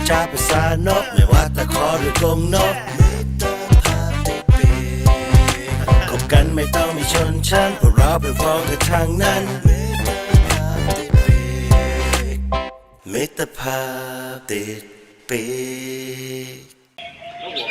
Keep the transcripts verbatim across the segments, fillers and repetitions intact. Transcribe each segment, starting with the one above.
จาภาษานกไม่ว่าตะขอหรือกรงนกมิตรภาพติดปีกคบกันไม่ต้องมีชนชั้นเพราะเราเป็นพ้องกันทางนั้นมิตรภาพติดปีกมิตรภาพติดปีก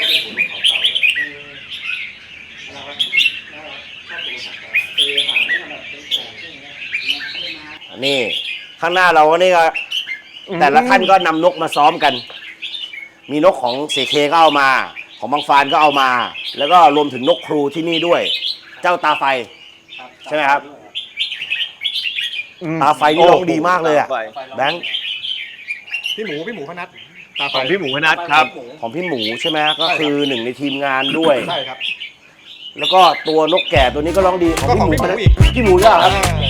นี่ข้างหน้าเราก็นี่ก็แต่ละท่านก็นำนกมาซ้อมกัน มีนกของเสเคก็เอามาของบางฟานก็เอามา แล้วก็รวมถึงนกครูที่นี่ด้วย เจ้าตาไฟใช่ไหมครับตาไฟนี่ร้องดีมากเลยอ่ะแบงค์พี่หมูพี่หมูพนัทตาไฟของพี่หมูพนัทครับของพี่หมูใช่ไหมก็คือหนึ่งในทีมงานด้วยใช่ครับแล้วก็ตัวนกแก่ตัวนี้ก็ร้องดีของก็พี่ของหมูพี่หมูนะอีกพี่หมูด้วยเหรอครับ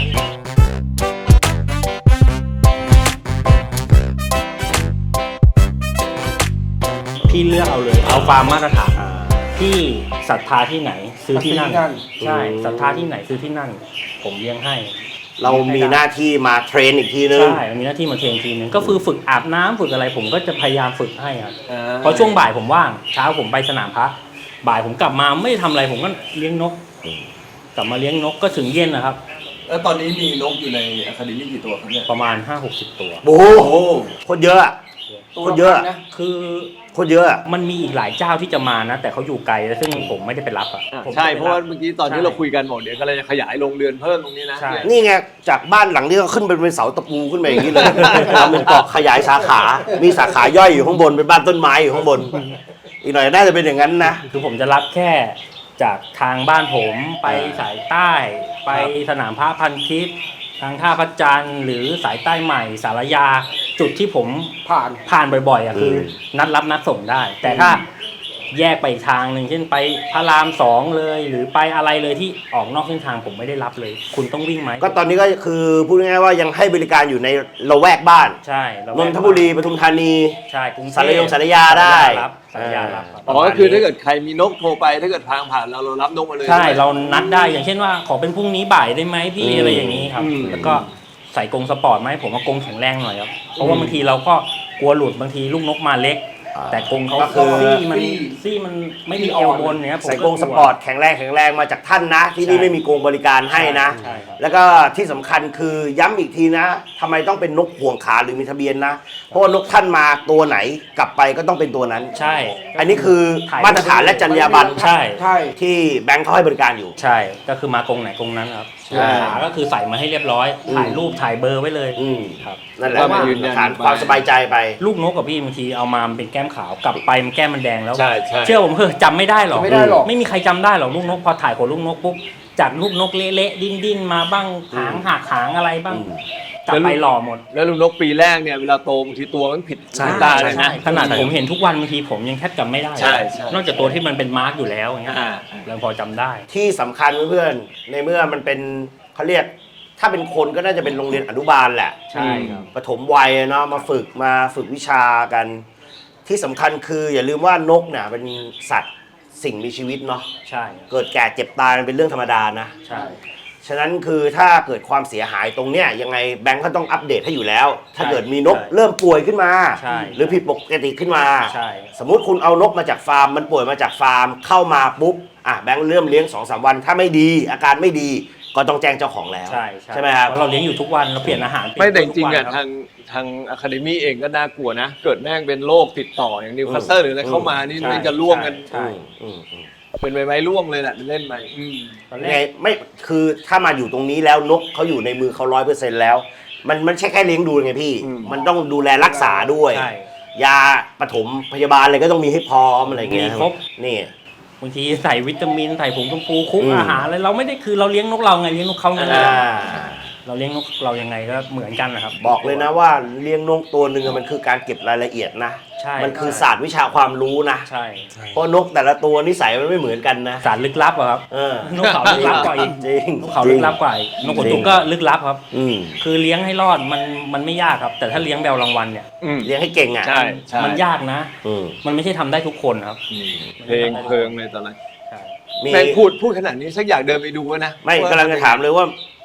พี่เลือกเอาเลยเอาความมาตรฐานที่ศรัทธาที่ไหนซื้อที่นั่นใช่ศรัทธาที่ไหนซื้อที่นั่น ผมเลี้ยงให้เรามีหน้าที่มาเทรนอีกทีนึงใช่มีหน้าที่มาเทรนทีนึงก็คือฝึกอาบน้ำฝึกอะไรผมก็จะพยายามฝึกให้ครับเพราะช่วงบ่ายผมว่างเช้าผมไปสนามพระบ่ายผมกลับมาไม่ทำอะไรผมก็เลี้ยงนกกลับมาเลี้ยงนกก็ถึงเย็นนะครับแล้วตอนนี้มีนกอยู่ในอะคาเดมี่กี่ตัวครับเนี่ยประมาณ ห้าหกสิบ ตัวโอ้โหโคตรเยอะอะโคตรเยอะอะคือโคตรเยอะอะมันมีอีกหลายเจ้าที่จะมานะ แต่เขาอยู่ไกลแล้วซึ่งผมไม่ได้ไปรับอ่ะผมใช่จไปบเพราะว่าเมื่อกี้ตอนที่เราคุยกันบอกเดี๋ยวก็เลยจะขยายโรงเรือนเพิ่มตรงนี้นะใช่นี่ไงจากบ้านหลังนี้ก็ขึ้นไปเป็นเสาตะปูขึ้นไปอย่างนี้เลยทำเป็นเกาะขยายสาขา มีสาขาย่อยอยู่ข้างบนเป็นบ้านต้นไม้อยู่ข้างบน อีกหน่อยน่าจะเป็นอย่างนั้นนะคือผมจะรับแค่จากทางบ้านผมไปสายใต้ ไปสนามพระพันทิพย์ทางท่าพระจันทร์หรือสายใต้ใหม่สารยาจุดที่ผมผ่านผ่านบ่อยๆอ่ะคือนัดรับนัดส่งได้ แต่ถ้าแยกไปอีกทางหนึ่งเช่นไปพระรามสองเลย หรือไปอะไรเลยที่ออกนอกเส้นทางผมไม่ได้รับเลย คุณต้องวิ่งไหมก็ตอนนี้ก็คือพูดง่ายๆว่ายังให้บริการอยู่ในละแวกบ้านใช่เรานนทบุรีปทุมธานีใช่กรุงเทพสารยงสารยาได้รับสารยารับครับอ๋อก็คือถ้าเกิดใครมีนกโทรไปถ้าเกิดทางผ่านเราเรารับนกมาเลยใช่เรานัดได้อย่างเช่นว่าขอเป็นพรุ่งนี้บ่ายได้ไหมพี่อะไรอย่างนี้ครับ แล้วก็ใส่กรงสปอร์ตไหมผมว่ากรงแข็งแรงหน่อยครับเพราะว่าบางทีเราก็กลัวหลุดบางทีลูกนกมาเล็ก แต่กรงเขาก็คือซี่มันซี่มันไม่มีเอวบนเนี้ยผมใส่กรงสปอร์ตแข็งแรงแข็งแรงมาจากท่านนะ ที่นี่ไม่มีกรงบริการให้นะใช่ครับแล้วก็ที่สำคัญคือย้ำอีกทีนะทำไมต้องเป็นนกห่วงขาหรือมีทะเบียนนะ เพราะว่านกท่านมาตัวไหนกลับไปก็ต้องเป็นตัวนั้นใช่อันนี้คือมาตรฐานและจรรยาบรรณใช่ใช่ที่แบงค์เขาให้บริการอยู่ใช่ก็คือมากรงไหนกรงนั้นครับใช่ขาก็คือใส่มาให้เรียบร้อยถ่ายรูปถ่ายเบอร์ไว้เลยอืมครับนั่นแหละก็มายืนยันฐานความสบายใจไปลูกนกกับพี่บางทีเอามามันเป็นแก้มขาวกลับไปมันแก้มมันแดงแล้วใช่ใช่เชื่อผมเถอะจำไม่ได้หรอกไม่ได้หรอกไม่มีใครจำได้หรอกลูกนกพอถ่ายขนลูกนกปุ๊บจากลูกนกเละๆดิ้นๆมาบ้างหางหักหางอะไรบ้างอืมกลับไปหล่อหมดแล้วลูกนกปีแรกเนี่ยเวลาโตบางทีตัวมันผิดใช่ตาเลยนะขนาดผมเห็นทุกวันบางทีผมยังแทบจำไม่ได้ใช่ใช่นอกจากตัวที่มันเป็นมาร์กอยู่แล้วอย่างเงี้ยอ่าเราพอจำได้ที่สำคัญเพื่อนๆในเมื่อมันเป็นเขาเรียกถ้าเป็นคนก็น่าจะเป็นโรงเรียนอนุบาลแหละใช่ครับปฐมวัยเนาะมาฝึกมาฝึกวิชากัน ที่สำคัญคืออย่าลืมว่านกเนี่ยเป็นสัตว์สิ่งมีชีวิตเนาะใช่เกิดแก่เจ็บตายมันเป็นเรื่องธรรมดานะใช่ฉะนั้นคือถ้าเกิดความเสียหายตรงเนี้ยยังไงแบงค์ก็ต้องอัปเดตให้อยู่แล้ว ถ้าเกิดมีนกเริ่มป่วยขึ้นมาใช่หรือผิดปกติขึ้นมาใช่สมมุติคุณเอานกมาจากฟาร์มมันป่วยมาจากฟาร์มเข้ามาปุ๊บอ่ะแบงค์เริ่มเลี้ยง สองสาม วันถ้าไม่ดีอาการไม่ดีก็ต้องแจ้งเจ้าของแล้วใช่ใช่ไหมครับเพาะเราเลี้ยงอยู่ทุกวันเราเปลี่ยนอาหารไม่แต่จริงๆเปลี่อ่ะยนทุกวันคบทางทางอะคาเดมี่เองก็น่ากลัวนะ เกิดแม่งเป็นโรคติดต่ออย่างนิวคาสเซิลหรืออะไรเข้ามานี่ใช่มันจะล่วงกันใช่อืมอืมเป็นใบไม้ร่วงเลยแหละเล่นไปอืมตอนแรยังไงกไม่คือถ้ามาอยู่ตรงนี้แล้วนกเขาอยู่ในมือเขาร้อยเปอร์เซ็นต์แล้ว มันมันใช่แค่เลี้ยงดูไงพี่ มันต้องดูแลรักษาด้วยใช่ยาปฐมพยาบาลอะไรก็ต้องมีให้พร้อมอะไรเงี้ยมีครบนี่บางทีใส่วิตามินใส่ผงชมพูคุกอืมอาหารอะไรเราไม่ได้คือเราเลี้ยงนกเราไงเลี้ยงนกเขาไงอ่าเราเลี้ยงนกเรายังไงก็เหมือนกันนะครับบอกเลยนะว่าเลี้ยงนกตัวหนึ่งอะมันคือการเก็บรายละเอียดนะใช่มันคือศาสตร์วิชาความรู้นะใช่เพราะนกแต่ละตัวนิสัยมันไม่เหมือนกันนะสารลึกลับอะครับเออนกเขาลึกลับกว่าอีกจริงนกเขาลึกลับกว่าอีกนกขนตุกก็ลึกลับครับอืมคือเลี้ยงให้รอดมันมันไม่ยากครับ แต่ถ้าเลี้ยงแบวรางวัลเนี่ยอืมเลี้ยงให้เก่งอ่ะใช่ใช่มันยากนะอืมมันไม่ใช่ทำได้ทุกคนครับอืมเพลงเพลิงเลยตอนนั้นใช่มีแม่งพูดพูดขนาดนี้สักอยากเดินไปดูวะนะไม่กำลังจะถามเลยว่า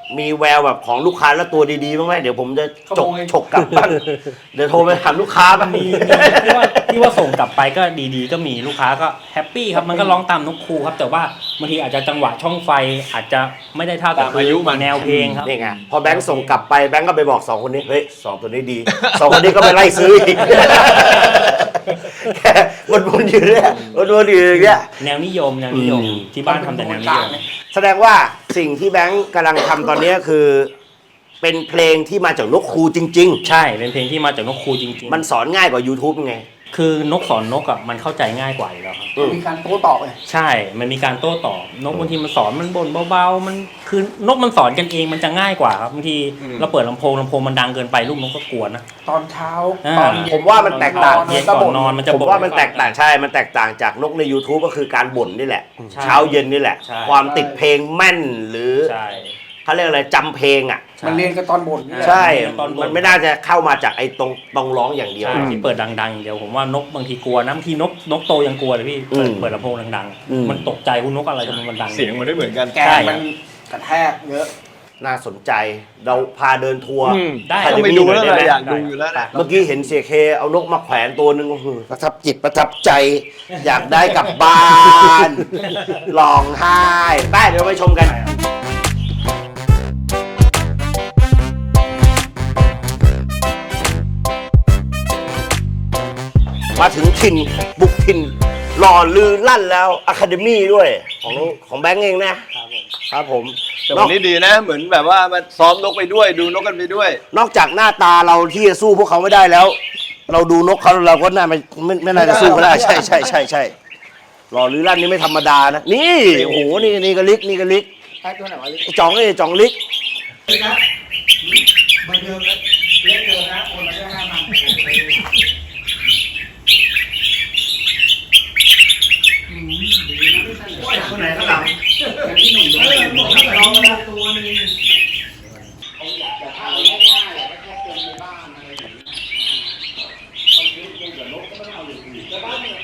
มีแววแบบของลูกค้าแล้วตัวดีๆบ้างไหมเดี๋ยวผมจะจกฉกกลับบ้างเดี๋ยวโทรไปถามลูกค้าบ้างมีมีที่ว่าที่ว่าส่งกลับไปก็ดีๆ ก็มีลูกค้าก็แฮปปี้ครับมันก็ร้องตามนกครูครับแต่ว่าบางทีอาจจะจังหวะช่องไฟอาจจะไม่ได้เท่ากับตามอายุมันแนวเพลงครับนี่ไงพอแบงค์ส่งกลับไปแบงค์ก็ไปบอกสองคนนี้เฮ้ยสองตัวนี้ดีสองคนนี้ก็ไปไล่ซื้ออีกแค่วนๆอยู่เนี่ยวนๆอยู่อย่างเงี้ยแนวนิยมแนวนิยมอืมที่บ้านทำแต่แนวนิยมแสดงว่าสิ่งที่แบงค์กำลังทำตอนนี้คือ เป็นเพลงที่มาจากนกครูจริงใช่เป็นเพลงที่มาจากนกครูจริงๆ มันสอนง่ายกว่า YouTube ไงๆ คือนกสอนนกอ่ะมันเข้าใจง่ายกว่าอยู่แล้วครับอืมมีการโต้ตอบเลยใช่มันมีการโต้ตอบนกบางทีมันสอนมันบ่นเบาๆมันคือนกมันสอนกันเองมันจะง่ายกว่าครับบางทีเราเปิดลำโพงลำโพงมันดังเกินไปลูกนกก็กลัวนะตอนเช้าอ่าตอนเย็นผมว่ามันแตกต่างเย็นก่อนนอนมันจะผมบ่นว่ามันแตกต่างใช่ มันแตกต่างจากนกใน YouTube ก็คือการบ่นนี่แหละใช่เช้าเย็นนี่แหละใช่ความติดเพลงแม่นหรือใช่เขาเรียกอะไรจำเพลงอ่ะมันเรียนกันตอนบ่นนี่แหละใช่ตอนบ่นมันไม่น่าจะเข้ามาจากไอ้ตรงตรงร้องอย่างเดียวใช่ที่เปิดดังๆอย่างเดียวผมว่านกบางทีกลัวนะบางทีนกนกโตยังกลัวเลยพี่เปิดอืมเปิดลำโพงดังอืมๆมันตกใจคุณนกอะไรทำไมมันดังเสียงมันไม่เหมือนกันแกนมันกระแทกเยอะน่าสนใจเราพาเดินทัวร์อืมได้ต้องไปดูแล้วได้ไหมอยากดูอยู่แล้วนะเมื่อกี้เห็นเสียเคเอานกมาแขวนตัวหนึ่งโอ้โหประทับจิตประทับใจ อยากได้กลับบ้านร้องไห้ไปเดี๋ยวไปชมกัน มาถึงถิ่นบุกถิ่นหล่อลือลั่นแล้วอะคาเดมี่ด้วยของของแบงก์เองนะครับผมแต่วันนี้ดีนะ เหมือนแบบว่ามาซ้อมนกไปด้วย ดูนกกันไปด้วยนอกจากหน้าตาเราที่จะสู้พวกเขาไม่ได้แล้ว เราดูนกเขาเราก็น่าไม่ไม่ไม่น่าจะสู้เขาได้ใช่ใช่ใช่ใช่หล่อลือลั่นนี่ไม่ธรรมดานะนี่โอ้โหนี่นี่ก็ลิกนี่ก็ลิกไอ้ตัวไหนวะลิไอ้จ่องนี่จ่องลิกเบอร์เดิมเรียกเดิมนะโอนมาได้ห้าพันคนไหนข้างหลังที่หนุ่มโดนน้องมาตัวนึงเขาอยากจะเอาง่ายๆแค่เติมในบ้านอะไรอย่างเงี้ยคนที่เล่นกับนกก็ไม่เอาอยู่ดีแต่บ้านเนี่ย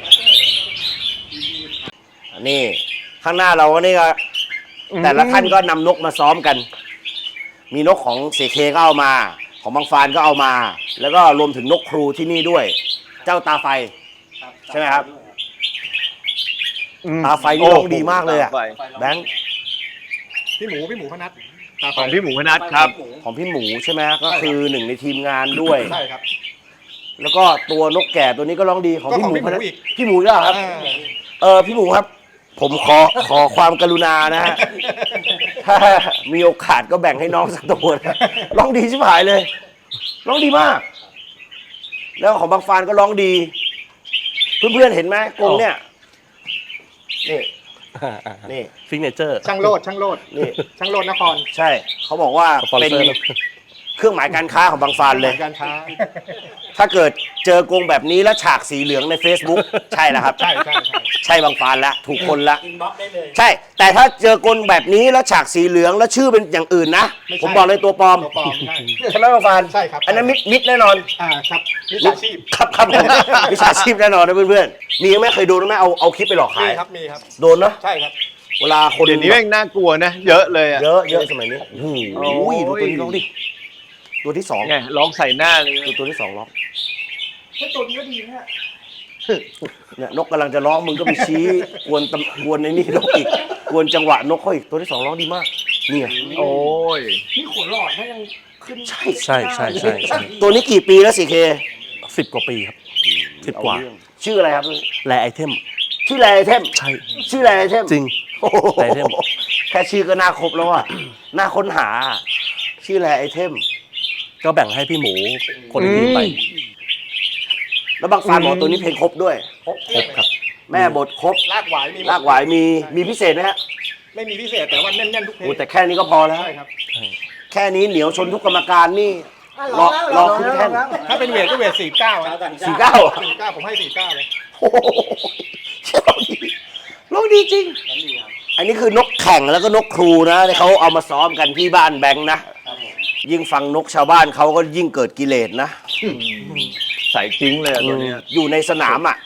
นี่ข้างหน้าเราก็นี่ก็แต่ละท่านก็นำนกมาซ้อมกัน มีนกของเสเคก็เอามา ของบางฟานก็เอามา แล้วก็รวมถึงนกครูที่นี่ด้วย เจ้าตาไฟใช่ไหมครับ ตาไฟนี่ร้องดีมากเลยอะตาไฟแบงค์พี่หมูพี่หมูพนัทตาไฟของพี่หมูพนัทครับของพี่หมูใช่ไหมก็คือหนึ่งในทีมงานด้วยใช่ครับแล้วก็ตัวนกแก่ตัวนี้ก็ร้องดีของก็พี่ของหมูพี่หมูพนัทอีกพี่หมูก็ครับอ่าเออพี่หมูครับ ผมขอขอความกรุณานะฮะ ถ้ามีโอกาสก็แบ่งให้น้องสักตัวนะร้องดีชิบหายเลย ร้องดีมาก แล้วของบางฟานก็ร้องดี เพื่อนๆเห็นไหมกรงเนี่ย นี่ นี่ฟิกเนเจอร์ช่างโลดช่างโลดนี่ช่างโลดนครใช่ เขาบอกว่าเป็นเครื่องหมายการค้าของบางฟานเลยการค้าถ้าเกิดเจอกรงแบบนี้แล้วฉากสีเหลืองใน Facebook ใช่แล้วครับใช่ใช่ใช่ใช่บางฟานแล้วถูกคนละอินบ็อกซ์ได้เลยใช่ แต่ถ้าเจอกลแบบนี้แล้วฉากสีเหลืองแล้วชื่อเป็นอย่างอื่นนะไม่ใช่ผมบอกเลยตัวปลอมตัวปลอมใช่ใช่ไหมบางฟานใช่ครับอันนั้นมิดมิดแน่นอนอ่าครับวิชาชีพครับครับผมวิชาชีพแน่นอนนะเพื่อนๆมีไหมเคยโดนไหมเอาเอาคลิปไปหลอกมีขายครับมีครับโดนเนาะใช่ครับเวลาคนเดี๋ยวนี้แม่งน่ากลัวนะ เยอะเลยอ่ะเยอะเยอะสมัยนี้โอ้โหโอ้ยดูตัวนี้ร้องดิตัวที่สองไงร้องใส่หน้าเลยดูตัวที่สองร้องแค่ตัวนี้ก็ดีนะฮะเนี่ยนกกำลังจะร้องมึงก็ไปชี้กวนตำกวนในนี่นกอีกกวนจังหวะนกเขาอีกตัวที่สองร้องดีมากนี่ไงโอ้ยนี่ขนหลอดถ้ายังขึ้นใช่ใช่ใช่ใช่ใช่ตัวนี้กี่ปีแล้วสิเคสิบกว่าปีครับสิบกว่าชื่ออะไรครับแลไอเทมชื่ออะไรไอเทมใช่ชื่ออะไรไอเทมจริงโอ้โหไอเทมแค่ชื่อก็น่าครบแล้วอ่ะ น่าค้นหา ชื่ออะไรไอเทมก็แบ่งให้พี่หมูคนในทีมไปแล้วบางฟานบอกตัวนี้เพลงครบด้วยครบครบครับแม่บทครบลากหวายมีลากหวายมีมีพิเศษไหมฮะไม่มีพิเศษแต่ว่าแน่นๆทุกเพลโอ้งแต่แค่นี้ก็พอแล้วใช่ครับแค่นี้เหนียวชนทุกกรรมการนี่รอรอขึ้นแท่นถ้าเป็นเวทก็เวทสี่เก้าสี่เก้าสี่เก้าผมให้สี่เก้าเลยโอ้โหร้องดีร้องดีจริง อันนี้คือนกแข่งแล้วก็นกครูนะที่เขาเอามาซ้อมกันที่บ้านแบงค์นะ ยิ่งฟังนกชาวบ้านเขาก็ยิ่งเกิดกิเลสนะใส่จริงเลยอะตัวเนี้ยอยู่ในสนามอ่ะ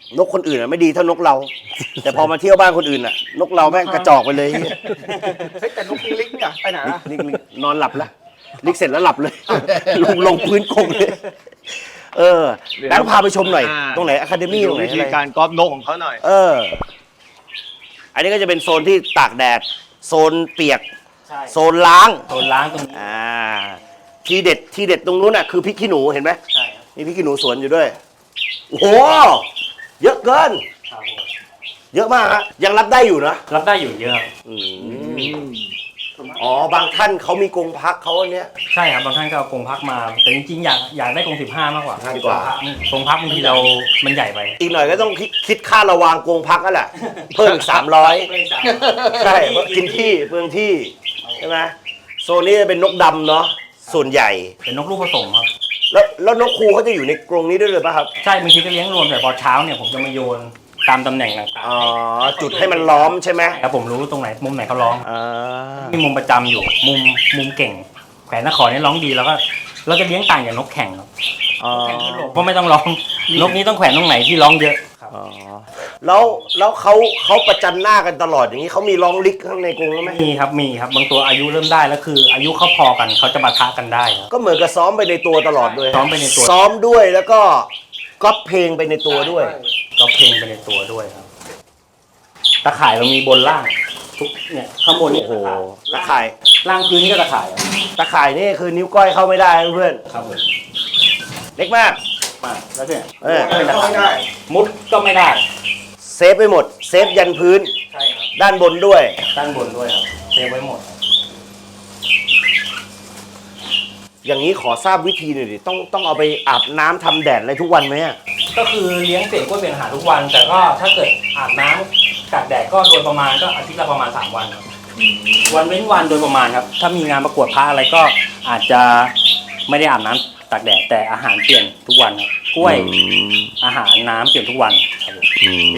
นกคนอื่นอ่ะไม่ดีเท่านกเรา แต่พอมาเที่ยวบ้านคนอื่นอ่ะ นกเราแม่งกระจอกไปเลยเฮ้ยแต่นกลิงอะไปไหนอะลิกลิกนอนหลับแล้วลิกเสร็จแล้วหลับเลย ลงลงพื้นกงเลย เออแบงค์พาไปชมหน่อย ตรงไหนอะคาเดมี่ตรงไหนวิธีอะไรการกอล์ฟนกของเขาหน่อยเออ อันนี้ก็จะเป็นโซนที่ตากแดด โซนเปียกใช่โซนล้างโซนล้างตรงนี้อ่า ทีเด็ดทีเด็ดตรงนู้นน่ะคือพริกขี้หนูเห็นไหมใช่ครับมีพริกขี้หนูสวนอยู่ด้วย โอ้โห เยอะเกินครับผมเยอะมากฮะ ยังรับได้อยู่นะรับได้อยู่เยอะอืมอ๋อ บางท่านเขามีกรงพักเขาอันเนี้ยใช่ครับบางท่านก็เอากรงพักมา แต่จริงๆอยากอยากได้กรงสิบห้ามากกว่าดีกว่ากรงพักบางทีเรา มันใหญ่ไปอีกหน่อยก็ต้องคิดคิดค่าระวางกรงพักนั่นแหละ เพิ่มอีกสามร้อยใช่เพราะกินที่เปลืองที่ ใช่ไหมโซนนี้จะเป็นนกดำเนาะส่วนใหญ่เป็นนกลูกผสมครับแล้วแล้วนกครูเขาจะอยู่ในกรงนี้ด้วยหรือเปล่าครับใช่บางทีก็เลี้ยงรวมแต่พอเช้าเนี่ยผมจะมาโยนตามตำแหน่งต่างอ๋อ จุดให้มันล้อมใช่ไหมๆแล้วผมรู้ตรงไหนมุมไหนเขาร้องอ่ามีมุมประจำอยู่ มุมมุมเก่ง แขวนนครนี่ร้องดีแล้วก็เราจะเลี้ยงต่างจากนกแข่งครับอ๋อเพราะไม่ต้องร้อง นกนี้ต้องแขวนตรงไหนที่ร้องเยอะครับอ๋อแล้วแล้วเขาเขาประจันหน้ากันตลอดอย่างนี้เขามีร้องลิกข้างในกรงไหมมีครับมีครับบางตัวอายุเริ่มได้แล้วคือ อายุเขาพอกันเขาจะปะทะกันได้ครับก็เหมือนกับซ้อมไปในตัวตลอดด้วยซ้อมไปในตัวซ้อมด้วยแล้วก็ก๊อปเพลงไปในตัวด้วยก็เพลงไปในตัวด้วยครับตะข่ายเรามีบนล่างทุกเนี่ยข้างบนนี่โอ้โหตะข่ายล่างพื้นนี่ก็ตะข่ายครับตะข่ายนี่คือนิ้วก้อยเข้าไม่ได้นะเพื่อนครับผมเล็กมากมาแล้วเนี่ยเออเป็นตะข่ายมุดก็ไม่ได้เซฟไปหมด เซฟยันพื้นใช่ครับด้านบนด้วยด้านบนด้วยครับเซฟไว้หมดอย่างนี้ขอทราบวิธีหน่อยดิต้องต้องเอาไปอาบน้ำทำแดดอะไรทุกวันไหมอะก็คือเลี้ยงเปลี่ยนกล้วยเปลี่ยนอาหารทุกวัน แต่ก็ถ้าเกิดอาบน้ำตากแดดก็โดยประมาณก็อาทิตย์ละประมาณสามวันครับวันเว้นวันโดยประมาณครับ ถ้ามีงานประกวดพระอะไรก็อาจจะไม่ได้อาบน้ำตากแดดแต่อาหารเปลี่ยนทุกวันครับกล้วยอาหารน้ำเปลี่ยนทุกวันครับผม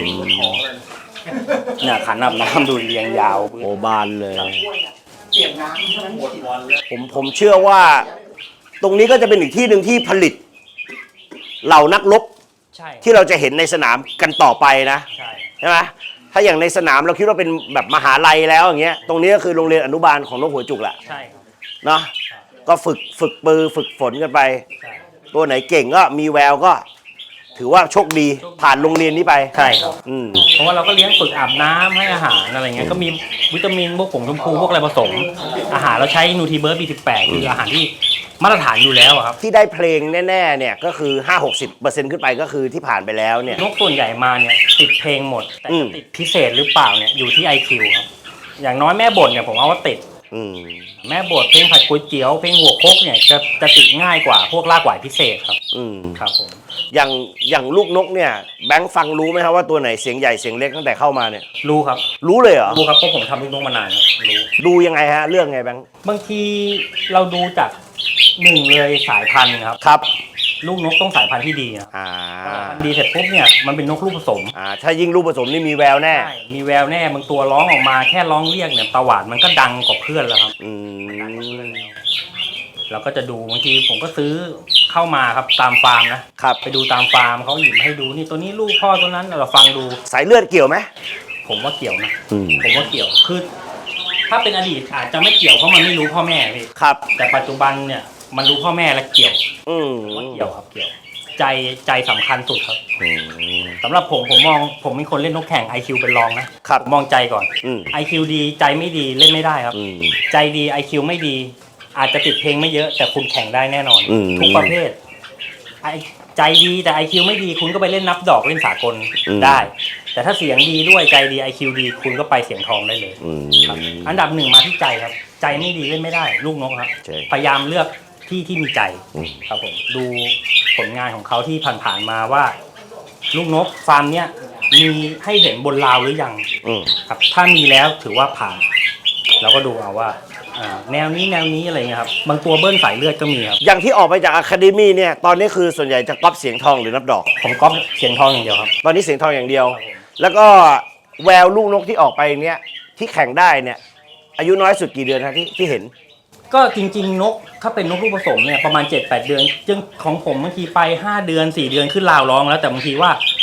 เนี่ยขันอาบน้ำดูเรียงยาวโอบานเลยเปลี่ยนน้ำเท่านั้นหมดวันเลยผมผมเชื่อว่า ตรงนี้ก็จะเป็นอีกที่หนึ่งที่ผลิต เหล่านักรบใช่ที่เราจะเห็นในสนามกันต่อไปนะใช่ใช่ไหมถ้าอย่างในสนามเราคิดว่าเป็นแบบมหาลัยแล้วอย่างเงี้ย ตรงนี้ก็คือโรงเรียนอนุบาลของนกหัวจุกแหละใช่ครับเนาะก็ฝึกฝึกปือฝึกฝนกันไปใช่ตัวไหนเก่งก็มีแววก็ ถือว่าโชคดีผ่านโรงเรียนนี้ไปใช่ครับอืมเพราะว่าเราก็เลี้ยงฝึกอาบน้ำให้อาหารอะไรเงี้ยก็มีวิตามินพวกผงชมพูพวกอะไรผสม อาหารเราใช้นูทีเบิร์ด บี สิบแปด คืออาหารที่มาตรฐานอยู่แล้วอะครับที่ได้เพลงแน่ๆเนี่ยก็คือ ห้าหกสิบเปอร์เซ็นต์ ขึ้นไปก็คือที่ผ่านไปแล้วเนี่ยนกส่วนใหญ่มาเนี่ยติดเพลงหมด แต่อืมจะติดพิเศษหรือเปล่าเนี่ยอยู่ที่ ไอ คิว ครับ อย่างน้อยแม่บ่นเนี่ยผมเอาว่าติดอืมแม่บทเพลงผัดก๋วยเตี๋ยวเพลงหัวโคกเนี่ยจะจะติดง่ายกว่าพวกลากหวายพิเศษครับอืมครับผมอย่างอย่างลูกนกเนี่ยแบงค์ฟังรู้ไหมครับว่าตัวไหนเสียงใหญ่เสียงเล็กตั้งแต่เข้ามาเนี่ยรู้ครับรู้เลยเหรอรู้ครับเพราะผมทำลูกนกมานานครับรู้ดูยังไงฮะเรื่องไงแบงค์บางทีเราดูจากหนึ่งเลยสายพันธุ์ครับครับลูกนกต้องสายพันธุ์ที่ดีนะอ่าดีเสร็จปุ๊บเนี่ยมันเป็นนกลูกผสมอ่าถ้ายิ่งลูกผสมนี่มีแววแน่ใช่มีแววแน่บางตัวร้องออกมาแค่ร้องเรียกเนี่ยตะหวาดมันก็ดังกว่าเพื่อนแล้วครับอืมเราก็จะดูบางทีผมก็ซื้อเข้ามาครับตามฟาร์มนะครับ ไปดูตามฟาร์มเขาหยิบมาให้ดูนี่ตัวนี้ลูกพ่อตัวนั้นเราฟังดูสายเลือดเกี่ยวไหมผมว่าเกี่ยวนะอืมผมว่าเกี่ยวคือ ถ้าเป็นอดีตอาจจะไม่เกี่ยวเพราะมันไม่รู้พ่อแม่พี่ครับแต่ปัจจุบันเนี่ยมันรู้พ่อแม่และเกี่ยวอืมผมว่าเกี่ยวครับเกี่ยว ใจใจสำคัญสุดครับอืมสำหรับผมผมมองผมเป็นคนเล่นนกแข่ง ไอ คิว เป็นรองนะครับ ผมมองใจก่อนอืมไอ คิว ดีใจไม่ดีเล่นไม่ได้ครับอืมใจดี ไอ คิว ไม่ดี อาจจะติดเพลงไม่เยอะแต่คุณแข่งได้แน่นอนอืมทุกประเภทไอใจดีแต่ ไอ คิว ไม่ดีคุณก็ไปเล่นนับดอกเล่นสากลอืมได้ แต่ถ้าเสียงดีด้วยใจดี ไอ คิว ดี คุณก็ไปเสียงทองได้เลยอืมครับอันดับหนึ่งมาที่ใจครับ ใจไม่ดีเล่นไม่ได้ ลูกนกครับใช่พยายามเลือกที่ที่มีใจอืมครับผมดูผลงานของเขาที่ผ่านๆมาว่า ลูกนกฟาร์มเนี้ยมีให้เห็นบนราวหรือยังอืมครับถ้ามีแล้วถือว่าผ่านเราก็ดูเอาว่าอ่าแนวนี้แนวนี้อะไรเงี้ยครับบางตัวเบิ้ลสายเลือดก็มีครับอย่างที่ออกไปจากอะคาเดมี่เนี่ยตอนนี้คือส่วนใหญ่จะก๊อปเสียงทองหรือนับดอกผมก๊อปเสียงทองอย่างเดียวครับตอนนี้เสียงทองอย่างเดียวครับผมแล้วก็แววลูกนกที่ออกไปเนี่ยที่แข่งได้เนี่ย อายุน้อยสุดกี่เดือนฮะที่ที่เห็นก็จริงๆนกถ้าเป็นนกลูกผสมเนี่ยประมาณ เจ็ดแปด เดือนจึงของผมบางทีไปห้าเดือนสี่เดือนขึ้นราวร้องแล้วแต่บางทีว่า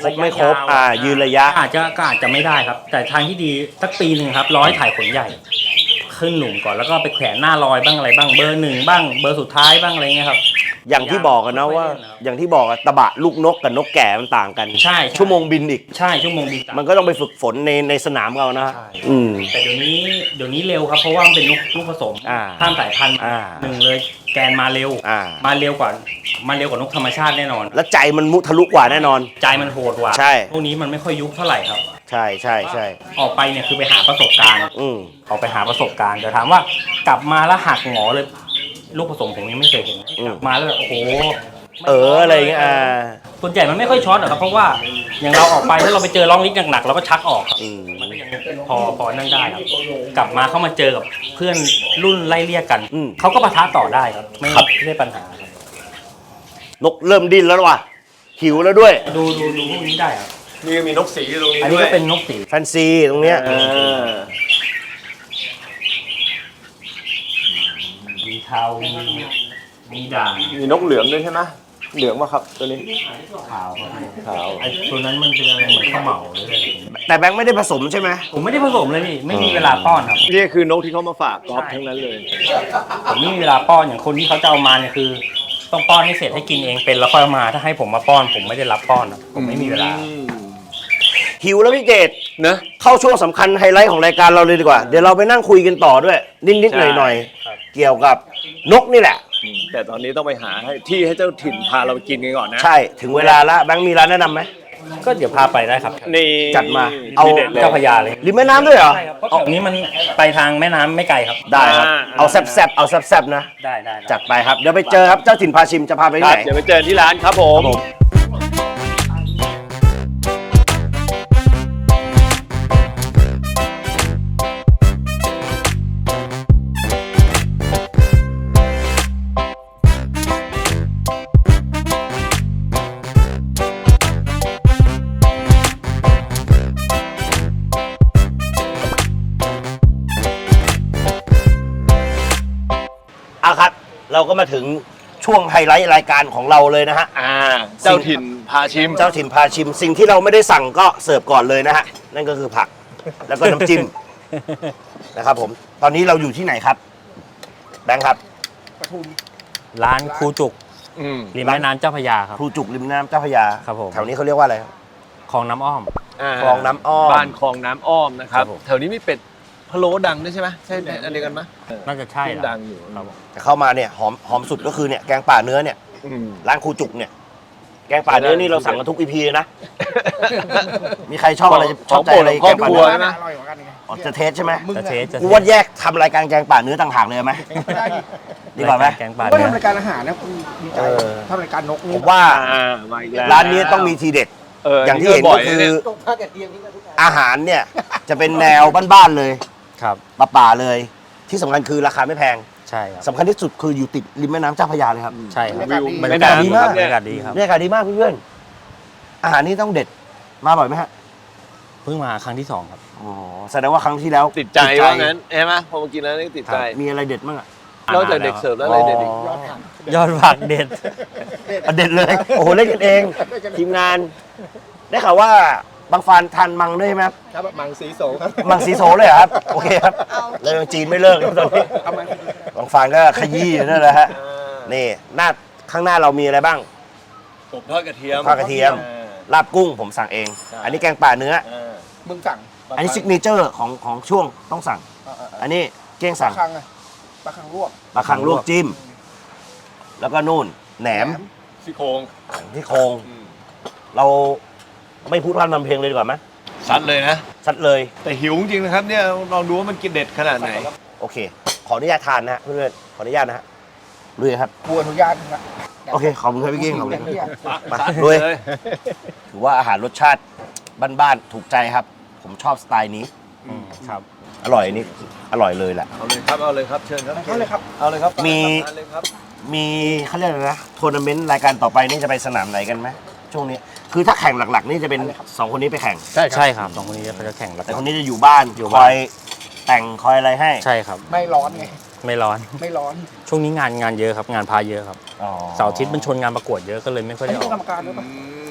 ครบไม่ครบอ่ายืนระยะอาจจะก็อาจจะไม่ได้ครับ แต่ทางที่ดีสักปีหนึ่งครับร้อยถ่ายขนใหญ่ ขึ้นหลุมก่อนแล้วก็ไปแขวนหน้าลอยบ้างอะไรบ้างเบอร์หนึ่งบ้างเบอร์สุดท้ายบ้างอะไรเงี้ยครับอย่างที่บอกกันนะว่า อย่างที่บอกอะตะบะลูกนกกับนกแก่มันต่างกันใช่ชั่วโมงบินอีกใช่ชั่วโมงบินมันก็ต้องไปฝึกฝนในในสนามเรานะใช่อืมแต่เดี๋ยวนี้เดี๋ยวนี้เร็วครับเพราะว่ามันเป็นลูกลูกผสมอ่าข้ามสายพันธุ์อ่าหนึ่งเลยแกนมาเร็วอ่ามาเร็วกว่ามาเร็วกว่านกธรรมชาติแน่นอนแล้วใจมันมุทะลุกว่าแน่นอนใจมันโหดกว่าใช่พวกนี้มันไม่ค่อยยุบเท่าไหร่ครับใช่ใช่ใช่ออกไปเนี่ยคือไปหาประสบการณ์อืมออกไปหาประสบการณ์แต่ถามว่ากลับมาแล้วหักหงอเลย ลูกผสมผมยังไม่เคยเห็นอืมกลับมาแล้วแบบโอ้โหเอออะไรอย่างเงี้ยอ่าส่วนใหญ่มันไม่ค่อยช็อตหรอกครับเพราะว่าอย่างเราออกไปถ้าเราไปเจอร้องลิกหนักๆเราก็ชักออกครับอืมมันก็ยังพอพอนั่งได้ครับ กลับมาเข้ามาเจอกับเพื่อนรุ่นไล่เลี่ยกันอืมเขาก็ปะทะต่อได้ครับไม่ครับไม่ได้ปัญหาครับนกเริ่มดิ้นแล้วว่ะหิวแล้วด้วยดูดูดูพวกนี้ได้ครับนี่มีนกสีอยู่ตรงนี้อันนี้ด้วยก็เป็นนกสีแฟนซีตรงเนี้ยอ่ามีเทามีมีด่างมีนกเหลืองด้วยใช่ไหมเหลืองป่ะครับตัวนี้ขาวครับขาวไอ้ตัวนั้นมันเป็นอะไรเหมือนข้าวเหมาหรืออะไรแต่แบงค์ไม่ได้ผสมใช่ไหมผมไม่ได้ผสมเลยพี่ไม่มีเวลาป้อนครับนี่คือนกที่เขามาฝากกอล์ฟทั้งนั้นเลยผมไม่มีเวลาป้อนอย่างคนที่เขาจะเอามาเนี่ยคือ ต้องป้อนให้เสร็จให้กินเองเป็นแล้วค่อยเอามาถ้าให้ผมมาป้อน ผมไม่ได้รับป้อนครับผมไม่มีเวลาอืมหิวแล้วพี่เจตนะเข้าช่วงสำคัญไฮไลท์ของรายการเราเลยดีกว่า เดี๋ยวเราไปนั่งคุยกันต่อด้วย นิดๆหน่อยครับๆเกี่ยวกับนกนี่แหละอืมแต่ตอนนี้ต้องไปหาให้ที่ให้เจ้าถิ่นพาเราไปกินกันก่อนนะใช่ถึงเวลาแล้วแบงค์มีร้านแนะนำไหมก็เดี๋ยวพาไปได้ครับนี่จัดมาเอาทีด็ดลยเจ้าพระยาเลยริมแม่น้ำด้วยเหรอใช่ครับเพราะตรงนี้มันไปทางแม่น้ำไม่ไกลครับได้ครับอ่าเอาแซบๆเอาแซบๆนะได้ได้ได้จัดไปครับ เดี๋ยวไปเจอครับเจ้าถิ่นพาชิมจะพาไปคที่รับไหนเดี๋ยวไปเจอที่ร้านครับผมครับผม เอาครับ เราก็มาถึงช่วงไฮไลท์รายการของเราเลยนะฮะอ่า เจ้าถิ่นพาชิมเจ้าถิ่นพาชิมสิ่งที่เราไม่ได้สั่งก็เสิร์ฟก่อนเลยนะฮะ นั่นก็คือผัก แล้วก็น้ำจิ้ม นะครับผม ตอนนี้เราอยู่ที่ไหนครับ แบงค์ครับร้านครูจุกอืมริมแม่น้ำเจ้าพระยาครับครูจุกริมน้ำเจ้าพระยาครับผมแถวนี้เขาเรียกว่าอะไรครับคลองน้ำอ้อมาคลองน้ำอ้อมบ้านคลองน้ำอ้อมนะครับครับผมแถวนี้มีเป็ดพะโล้ดังด้วยใช่ไหมใช่อันเดียวกันไหมน่าจะใช่ที่แหละดังอยู่ครับผมแต่เข้ามาเนี่ยหอมหอมสุดก็คือเนี่ยแกงป่าเนื้อเนี่ยอืมร้านครูจุกเนี่ย แกงป่าเนื้อนี่เราสั่งกันทุกอีพีนะ มีใครชอบอะไรชอบใจอะไรขแกองงโปป่ารดเนื้อใช่ไหมอร่อยกว่ากันไงอ๋อจะเทสใช่ไหมจะเทสจะกูว่าแยกทำรายการแกงป่าเนื้อต่างหากเลยไหมดีกว่าไหมแกงป่าก็เนื้อทำรายการอาหารนะคุณดีใจเออทำรายการนกผนี่มว่าอ่ามาอีกแล้วร้านนี้ต้องมีทีเด็ดเออออย่างที่เห็นบ่ก็อยคืนะอเนี่ยตกผ้ากระเทียมนี่ก็ทุกอย่างอาหารเนี่ย จะเป็นแนวบ้านๆเลยครับป่าๆเลย ที่สำคัญคือราคาไม่แพงใช่ครับสำคัญที่สุดคืออยู่ติดริมแม่น้ำเจ้าพระยาเลยครับใช่ครับวิวบรรไม่ยากาศนานดีคมารักบบรรเนี่ยยากาศดีครับบรรยากาศดีมากเพื่อนๆอาหารนี่ต้องเด็ดมาบ่อยไหมฮะเพิ่งมาครั้งที่สองครับอ๋อแสดงว่าครั้งที่แล้วติดใจว่างั้นใช่ไหมพอมากินแล้วนี่ติดใจมีอะไรเด็ดบ้างอะนอกจากเด็กเสิร์ฟแล้วอะไรเด็ดอีกยอดผักยอดผักเด็ดอ่ะเด็ดเลย โอ้โหเล่นกันเอง ทีมงาน ได้ข่าวว่าบางฟานทานมังด้วยใช่ไหมครับครับมังสีโสครับมังสีโซเลยเหรอครับ โอเคครับแล้วยังจีนไม่เลิกเลยตอนนี้เอามาบางฟานก็ขยี้อยู่นั่นแหละฮะนี่หน้าข้างหน้าเรามีอะไรบ้างผมทอดกระเทียมทอดกระเทียม ลาบกุ้งผมสั่งเองใช่อันนี้แกงป่าเนื้ออ่ามึงสั่งอันนี้ซิกเนเจอร์ของของช่วงต้องสั่งเออเออเอออันนี้เก้งปลาสั่งคังไงปลาคังลวกปลาคังลวกจิ้ม แล้วก็นู่นแหนมซี่โครงที่โครงอืมเราไม่พูดพร่ำทำเพลงเลยดีกว่าไหมซัดเลยนะซัดเลยแต่หิวจริงๆนะครับเนี่ยลองดูว่ามันกินเด็ดขนาดไหนโอเค ขออนุญาตทานนะฮะเพื่อนๆขออนุญาตนะฮะลุยครับบัวอนุญาตนะโอเคขอบคุณครับพี่เก้งขอบคุณอคย่ารับงเนี้ยมาซัดลุยเลยถือว่าอาหารรสชาติบ้านๆถูกใจครับ ผมชอบสไตล์นี้อืมครับอร่อยนี่อร่อยเลยแหละเอาเลยครับเอาเลยครับเชิญครับเข้าเลยครับเอาเลยครับมีทานเลยครับมีเขาเรียกอะไรนะทัวร์นาเมนต์รายการต่อไปนี่จะไปสนามไหนกันไหมช่วงนี้ คือถ้าแข่งหลักๆ นี่จะเป็นสองคนนี้ไปแข่งใช่ใช่ครับสองคนนี้เขาจะแข่งแล้วแต่คนนี้จะอยู่บ้านอยู่คบ้านอยแต่งคอยอะไรให้ใช่ครับไม่ร้อนไงไม่ร้อนไม่ร้อนช่วงนี้งานงานเยอะครับ งานพาเยอะครับอ๋อเสาร์อาทิตย์มันชนงานประกวดเยอะก็เลยไม่ค่อยอันได้นี้อเป็อน กกรรมการด้วยปะ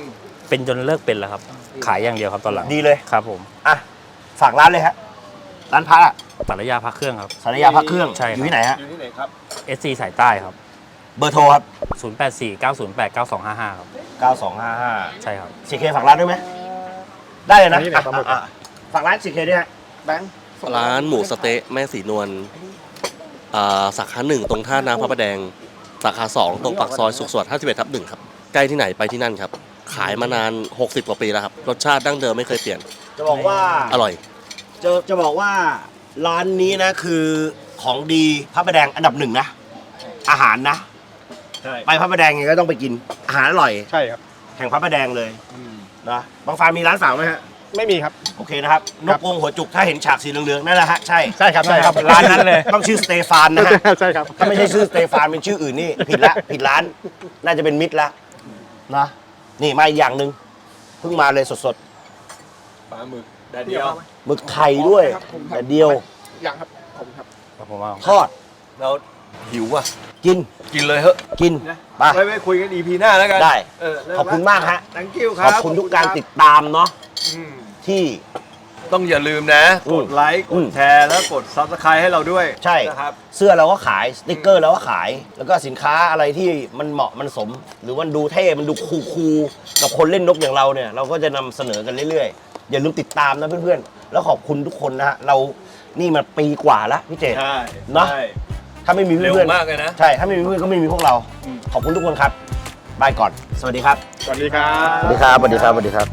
เป็นจนเลิกเป็นแล้วครับ ขายอย่างเดียวครับตอนหลังดีเลยครับผมอ่ะฝากร้านเลยฮะร้านพระอะสารยาพระเครื่องครับสารยาพระเครื่องใช่ครับอยู่ที่ไหนฮะอยู่ที่ไหนครับเอส ซี สายใต้ครับเบอร์โทรครับศูนย์ แปด สี่ เก้า ศูนย์ แปด เก้า สอง ห้า ห้าครับเก้าสองห้าห้าใช่ครับซีเคฝากร้านด้วยไหมได้เลยนะนี่แหละปลาหมึกอ่ะอ่ะฝากร้านซีเคด้วยฮะแบงค์ร้านหมูสะเต๊ะแม่สีนวลอ่าสาขาหนึ่งตรงท่าน้ำพระประแดง สาขาสองตรงปากซอยสุขสวัสดิ์ห้าสิบเอ็ดทับหนึ่งครับ ใกล้ที่ไหนไปที่นั่นครับ ขายมานาน หกสิบ กว่าปีแล้วครับ รสชาติดั้งเดิมไม่เคยเปลี่ยนจะบอกว่าอร่อยจะจะบอกว่าร้านนี้นะคือของดีพระประแดงอันดับหนึ่งนะ อาหารนะใช่ไปพระประแดงยังไงก็ต้องไปกิน อาหารอร่อยใช่ครับแห่งพระประแดงเลยนะบางฟาร์มมีร้านสาวไหมฮะไม่มีครับโอเคนะครับ นกวงหัวจุกถ้าเห็นฉากสีเหลืองๆนั่นแหละฮะ ใช่ใช่ครับใช่ครับร้านนั้นเลย ต้องชื่อสเตฟานนะฮะใช่ครับถ้าไม่ใช่ชื่อสเตฟานเป็นชื่ออื่นนี่ผิดละผิดร้าน น่าจะเป็นมิตรละนะนี่มาอีกอย่างหนึ่งเพิ่งมาเลยสดปลาหมึกแดดเดียวๆหมึกไข่ด้วยแต่เดียวอย่างครับผมครับผมว่าทอดเราหิวอ่ะกินกินเลยเฮ้ยกินไปไว้ไว้คุยกัน อี พี หน้าแล้วกันได้เเริ่ขอบคุณมากฮะทั้งคิวคขรัอบบคุณทุกการติดตามเนาะอืมที่ต้องอย่าลืมนะอืกมดไลค์ กอืดมแชร์ แล้วกด ซับสไครต์ ให้เราด้วยใช่นะครับเสื้อเราก็ขายสติกเกอร์เราก็ขาย แล้วก็สินค้าอะไรที่มันเหมาะมันสม หรือมันดูเท่มันดูคูลๆกับคนเล่นนกอย่างเราเนี่ย เราก็จะนำเสนอกันเรื่อยๆ อย่าลืมติดตามนะเพื่อนๆ แล้วขอบคุณทุกคนนะฮะเรานี่มาปีกว่าแล้วพี่เจใช่เนอะใช่ถ้าไม่มีเร็วเพื่อนมากเลยนะๆใช่ถ้าไม่มีเพื่อนก็ไม่มีพวกเรา ขอบคุณทุกคนครับบายก่อน สวัสดีครับสวัสดีครัสวับสดีครับสวัสดีครับสวัสดีครับ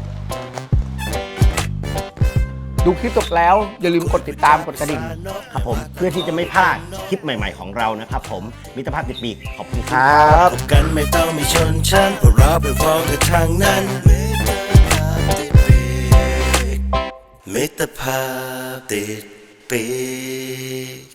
ดูคลิปจบแล้ว อย่าลืมกดติดตามกดกระดิ่งครับผมเพื่อที่จะไม่พลาดคลิปใหม่ ๆของเรานะครับผมมิตรภาพติดปีกขอบคุณครับพบกันไม่ต้องมีชนชั้นเพราะเราเป็นพ้องกันทางนั้นมิตรภาพติดปีก